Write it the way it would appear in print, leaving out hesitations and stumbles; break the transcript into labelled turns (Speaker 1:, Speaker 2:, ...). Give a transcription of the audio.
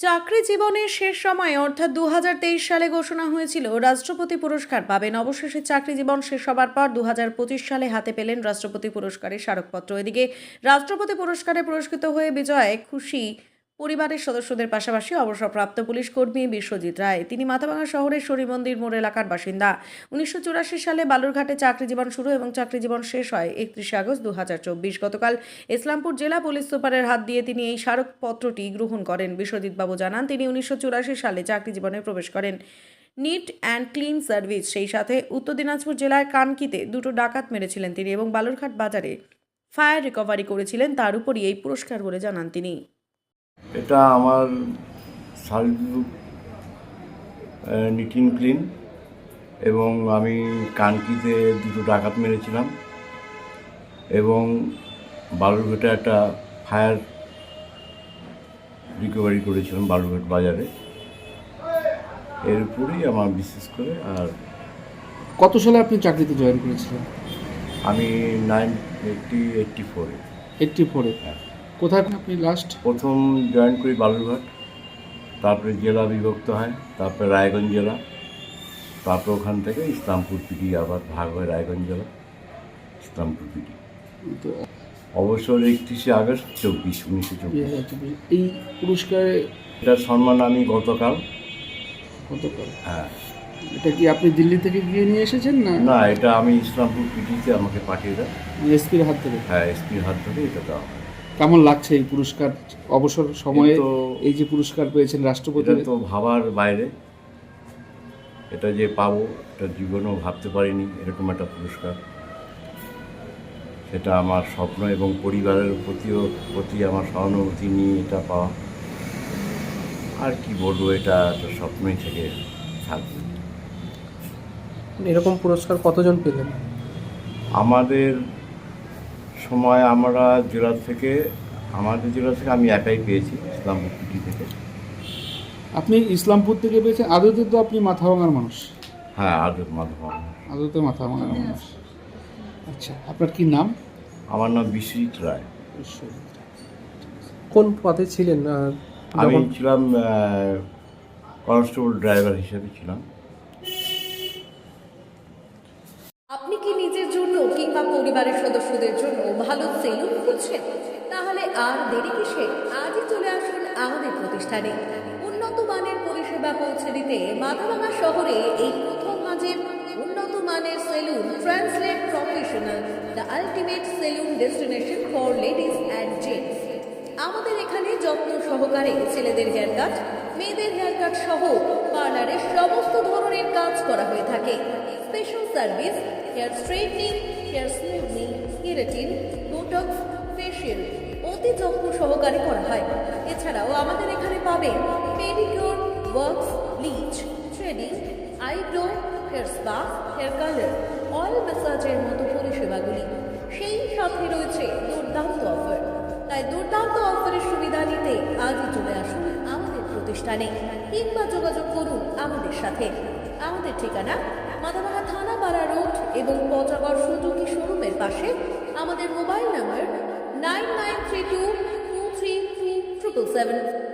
Speaker 1: চাকরি জীবনের শেষ সময়ে অর্থাৎ 2023 সালে ঘোষণা হয়েছিল রাষ্ট্রপতি পুরস্কার পাবেন। অবশেষে চাকরি জীবন শেষ হবার পর 2025 সালে হাতে পেলেন রাষ্ট্রপতি পুরস্কারের স্মারকপত্র। এদিকে রাষ্ট্রপতি পুরস্কারে পুরস্কৃত হয়ে বিজয়ে খুশি পরিবারের সদস্যদের পাশাপাশি অবসরপ্রাপ্ত পুলিশ কর্মী বিশ্বজিৎ রায়। তিনি মাথাভাঙা শহরের শরীমন্দির মোড় এলাকার বাসিন্দা। 1984 সালে বালুরঘাটে চাকরি জীবন শুরু এবং চাকরি জীবন শেষ হয় 31 আগস্ট 2024। গতকাল ইসলামপুর জেলা পুলিশ সুপারের হাত দিয়ে তিনি এই স্মারকপত্রটি গ্রহণ করেন। বিশ্বজিৎ বাবু জানান, তিনি 1984 সালে চাকরি জীবনে প্রবেশ করেন নিট অ্যান্ড ক্লিন সার্ভিস। সেই সাথে উত্তর দিনাজপুর জেলার কানকিতে দুটো ডাকাত মেরেছিলেন তিনি এবং বালুরঘাট বাজারে ফায়ার রিকভারি করেছিলেন। তার উপরই এই পুরস্কার বলে জানান তিনি।
Speaker 2: এটা আমার সার্ভিস নিট অ্যান্ড ক্লিন এবং আমি কানকিতে দুটো ডাকাত মেরেছিলাম এবং বালুরঘাটে একটা ফায়ার রিকভারি করেছিলাম বালুরঘাট বাজারে। এর উপরেই আমার বিশেষ করে। আর
Speaker 3: কত সালে আপনি চাকরিতে জয়েন করেছিলেন?
Speaker 2: আমি 1984-এ
Speaker 3: 84-এ।
Speaker 2: হ্যাঁ,
Speaker 3: কোথায় আপনি লাস্ট?
Speaker 2: প্রথম জয়েন করি বালুরঘাট, তারপরে জেলা বিভক্ত হয়, তারপরে রায়গঞ্জ জেলা, তারপর ওখান থেকে ইসলামপুর পিডি আবার ভাগ হয় রায়গঞ্জ জেলা, ইসলামপুর পিডি।
Speaker 3: তো
Speaker 2: অবসর 31 আগস্ট 1924।
Speaker 3: এই পুরস্কারে
Speaker 2: এটার সম্মান আমি গতকাল।
Speaker 3: কতকাল?
Speaker 2: হ্যাঁ,
Speaker 3: এটা কি আপনি দিল্লি থেকে গিয়ে নিয়ে এসেছেন না?
Speaker 2: না, এটা আমি ইসলামপুর পিডিতে আমাকে পাঠিয়ে দেয়।
Speaker 3: এসপির হাত থেকে?
Speaker 2: হ্যাঁ, এসপির হাত ধরে এটা দেওয়া হয়।
Speaker 3: কেমন লাগছে এই পুরস্কার অবসর সময়ে
Speaker 2: তো
Speaker 3: এই যে পুরস্কার পেয়েছেন রাষ্ট্রপতি?
Speaker 2: এটা তো ভাবার বাইরে, এটা যে পাবো এটা জীবনেও ভাবতে পারিনি এরকম একটা পুরস্কার। সেটা আমার স্বপ্ন এবং পরিবারের প্রতি আমার সহানুভূতি নিয়ে এটা পাওয়া। আর কি বলবো, এটা একটা স্বপ্নই থেকে থাকবে।
Speaker 4: এরকম পুরস্কার কতজন পেলেন?
Speaker 2: আমাদের সময় আমাদের জেলা থেকে আমি একাই পেয়েছি, ইসলামপুর পিটি থেকে।
Speaker 3: আপনি ইসলামপুর থেকে পেয়েছেন? আদতে তো আপনি মাথাভাঙার মানুষ।
Speaker 2: হ্যাঁ, আদর মাধব।
Speaker 3: আদতে মাথাভাঙার মানুষ। আচ্ছা, আপনার কি নাম?
Speaker 2: আমার নাম বিশ্বজিৎ রায়।
Speaker 4: কোন পদে ছিলেন?
Speaker 2: আমি ছিলাম কনস্টেবল ড্রাইভার হিসেবে ছিলাম।
Speaker 1: আপনি কি নিজের জন্য কিংবা পরিবারের সদস্যদের জন্য ভালো সেলুন খুঁজছেন? তাহলে আর দেরি কিসে? আজই চলে আসুন আমাদের প্রতিষ্ঠানে। উন্নত মানের পরিষেবা পৌঁছে দিতে মাথাভাঙা শহরে এই প্রথম মাঝের উন্নত মানের salon translate professional, the ultimate salon destination for ladies and gents. আমাদের এখানে যত্ন সহকারে ছেলেদের হেয়ার কাট, মেয়েদের হেয়ার কাট সহ পার্লারের সমস্ত ধরনের কাজ করা হয়ে থাকে। Special service, hair straightening, hair smoothing, keratin, botox, facial অতি যত্ন সহকারে করা হয়। এছাড়াও আমাদের এখানে পাবেন pedicure, wax, bleach, threading, eyebrow, hair spa, hair colour, oil ম্যাসাজের মতো পরিষেবাগুলি। সেই সাথে রয়েছে দুর্দান্ত অফার। তাই দুর্দান্ত অফারের সুবিধা নিতে আজই চলে আসুন আমাদের প্রতিষ্ঠানে কিংবা যোগাযোগ করুন আমাদের সাথে। আমাদের ঠিকানা মাথাভাঙা থানাপাড়া রোড এবং পচাগড় সুজুকি শোরুমের পাশে। আমাদের মোবাইল নাম্বার 9932233777।